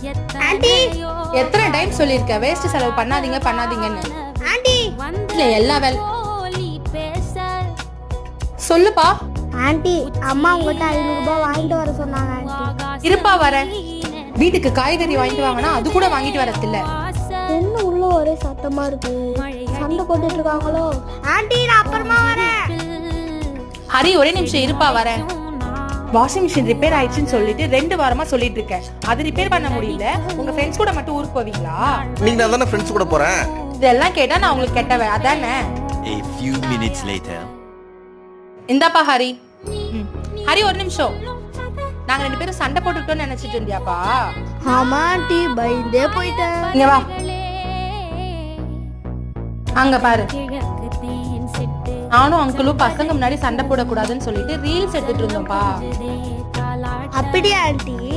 Aunty எத்தனை time சொல்லிருக்க waste செலவு பண்ணாதீங்க பண்ணாதீங்கன்னு. ஆண்டி இல்ல எல்லா வேலை சொல்லுப்பா. ஆண்டி அம்மா உங்ககிட்ட 500 ரூபாய் வாங்கிட்டு வர சொன்னாங்க ஆண்டி. இருப்பா வரேன். வீட்டுக்கு காய்கறி வாங்கிட்டு வாங்கினா அது கூட வாங்கிட்டு வரது இல்ல. என்ன உள்ள ஒரே சத்தமா இருக்கு, சண்டை போட்டுட்டு இருக்காங்களோ? ஆண்டி நான் அப்புறமா வரேன். ஹரி ஒரே நிமிஷம் இருப்பா வரேன். வாஷிங் மிஷின் ரிப்பேர் ஆயிடுச்சுன்னு சொல்லிட்டு 2 வாரமா சொல்லிட்டு இருக்கேன். அது ரிப்பேர் பண்ண முடியல. உங்க ஃப்ரெண்ட்ஸ் கூட மட்டும் ஊருக்கு போவீங்களா? நீங்க நான் தானே ஃப்ரெண்ட்ஸ் கூட போறேன். இதெல்லாம் கேட்டா நான் உங்களுக்கு கெட்டவன் அதானே? A few minutes later. இந்தாப்பா ஹரி. ஹரி ஒரு நிமிஷம். நாங்க 2 பேரும் சண்டை போட்டுக்கிட்டோம்னு நினைச்சிட்டு இருந்தியாப்பா? ஆமா ஆண்டி பயந்தே போயிட்டேன். இங்க வா. அங்க பாரு. நானும் அங்கிளும் பசங்க முன்னாடி சண்டை போடக்கூடாதுன்னு சொல்லிட்டு ரீல்ஸ் எடுத்துட்டு இருந்தோம்ப்பா. அப்படியா ஆண்டி?